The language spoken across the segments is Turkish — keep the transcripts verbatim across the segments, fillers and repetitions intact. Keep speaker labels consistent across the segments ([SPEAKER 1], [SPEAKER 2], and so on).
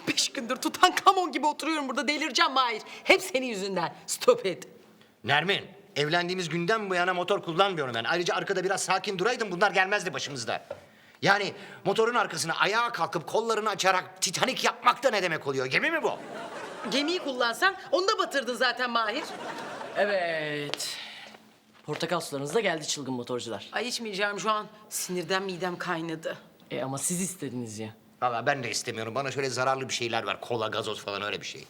[SPEAKER 1] Beş gündür Tutankamon gibi oturuyorum burada, delireceğim Mahir. Hep senin yüzünden. Stop it.
[SPEAKER 2] Nermin, evlendiğimiz günden bu yana motor kullanmıyorum ben. Ayrıca arkada biraz sakin duraydım, bunlar gelmezdi başımızda. Yani motorun arkasına ayağa kalkıp kollarını açarak Titanik yapmak da ne demek oluyor? Gemi mi bu?
[SPEAKER 1] Gemiyi kullansan onu da batırdın zaten Mahir.
[SPEAKER 3] Evet. Portakal sularınız da geldi çılgın motorcular.
[SPEAKER 1] Ay içmeyeceğim şu an. Sinirden midem kaynadı.
[SPEAKER 3] E ama siz istediniz ya.
[SPEAKER 2] Vallahi ben de istemiyorum. Bana şöyle zararlı bir şeyler ver. Kola, gazoz falan öyle bir şey.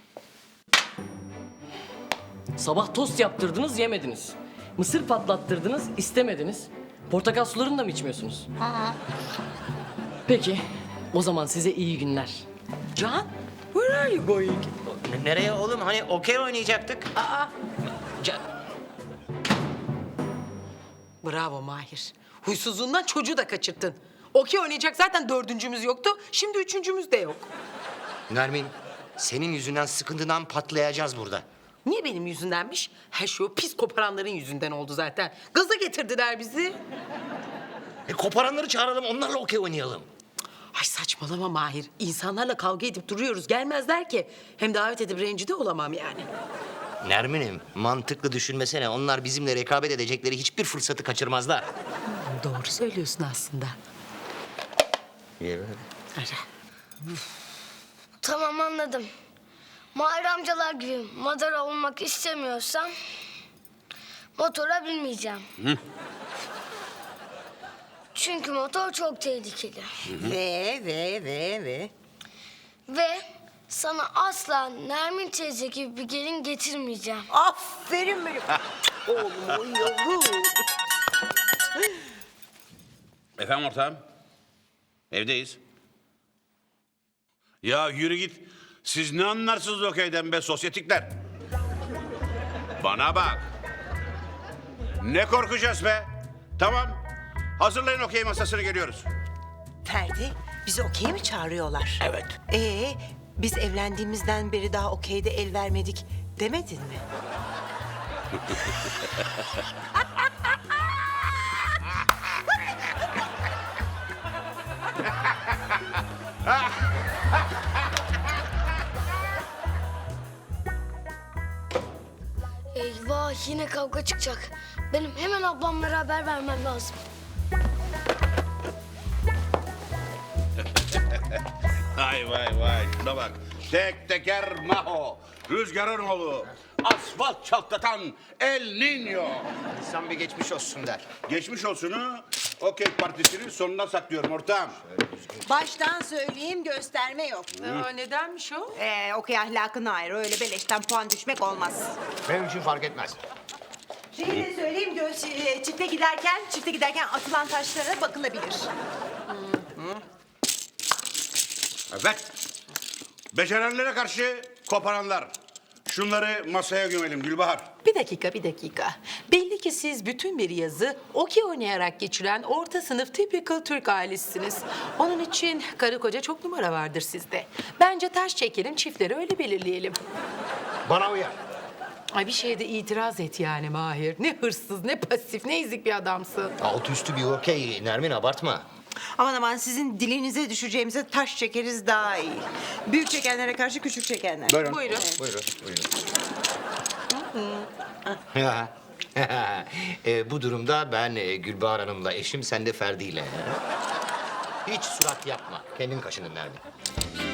[SPEAKER 3] Sabah tost yaptırdınız, yemediniz. Mısır patlattırdınız, istemediniz. Portakal sularını da mı içmiyorsunuz? Peki, o zaman size iyi günler.
[SPEAKER 1] Can, where are you going?
[SPEAKER 2] N- nereye oğlum? Hani okey oynayacaktık.
[SPEAKER 1] Aa,
[SPEAKER 2] Ca-
[SPEAKER 1] bravo Mahir. Huysuzluğundan çocuğu da kaçırttın. Okey oynayacak zaten dördüncümüz yoktu. Şimdi üçüncümüz de yok.
[SPEAKER 2] Nermin, senin yüzünden sıkıntıdan patlayacağız burada.
[SPEAKER 1] Niye benim yüzündenmiş? Her şey o pis koparanların yüzünden oldu zaten. Gaza getirdiler bizi.
[SPEAKER 2] E koparanları çağıralım, onlarla okey oynayalım.
[SPEAKER 1] Ay saçmalama Mahir. İnsanlarla kavga edip duruyoruz. Gelmezler ki. Hem davet edip rencide olamam yani.
[SPEAKER 2] Nermin'im, mantıklı düşünmesene. Onlar bizimle rekabet edecekleri hiçbir fırsatı kaçırmazlar.
[SPEAKER 1] Doğru söylüyorsun aslında. Ara.
[SPEAKER 4] Tamam anladım. Mahir amcalar gibi madara olmak istemiyorsam motora binmeyeceğim. Çünkü motor çok tehlikeli.
[SPEAKER 1] Ve ve ve ve.
[SPEAKER 4] Ve sana asla Nermin teyze gibi bir gelin getirmeyeceğim.
[SPEAKER 1] Aferin benim. Oğlum yavrum.
[SPEAKER 5] Efendim ortağım? Evdeyiz. Ya yürü git. Siz ne anlarsınız okeyden be sosyetikler? Bana bak. Ne korkacağız be? Tamam. Hazırlayın okey masasını geliyoruz.
[SPEAKER 6] Ferdi, bizi okey mi çağırıyorlar?
[SPEAKER 2] Evet.
[SPEAKER 6] Ee, biz evlendiğimizden beri daha okeyde el vermedik demedin mi?
[SPEAKER 4] Eyvah yine kavga çıkacak. Benim hemen ablamlara haber vermem lazım.
[SPEAKER 5] Vay vay vay. Şuna bak. Tek teker Maho. Rüzgarın oğlu. Asfalt çaltlatan El Niño.
[SPEAKER 2] İnsan bir geçmiş olsun der.
[SPEAKER 5] Geçmiş olsunu okey partisinin sonuna saklıyorum ortağım.
[SPEAKER 6] Baştan söyleyeyim, gösterme yok.
[SPEAKER 1] Aa, nedenmiş o?
[SPEAKER 6] Ee, okey ahlakına ayrı, öyle beleşten puan düşmek olmaz.
[SPEAKER 2] Benim için fark etmez.
[SPEAKER 6] Şeyi de söyleyeyim, göz, e, çifte giderken, çifte giderken atılan taşlara bakılabilir.
[SPEAKER 5] Evet. Becerenlere karşı koparanlar. Şunları masaya gömelim Gülbahar.
[SPEAKER 1] Bir dakika, bir dakika. Belli ki siz bütün bir yazı okey oynayarak geçiren orta sınıf typical Türk ailesisiniz. Onun için karı koca çok numara vardır sizde. Bence taş çekelim, çiftleri öyle belirleyelim.
[SPEAKER 2] Bana uyar.
[SPEAKER 1] Ay bir şeye de itiraz et yani Mahir. Ne hırsız, ne pasif, ne ezik bir adamsın.
[SPEAKER 2] Alt üstü bir okey Nermin, abartma.
[SPEAKER 6] Aman aman, sizin dilinize düşeceğimize taş çekeriz daha iyi. Büyük çekenlere karşı küçük çekenler.
[SPEAKER 5] Buyurun.
[SPEAKER 1] Buyurun.
[SPEAKER 2] Buyurun, buyurun. e, bu durumda ben e, Gülbahar Hanım'la eşim, sen de Ferdi ile. Hiç surat yapma. Kendin kaşının Nermin.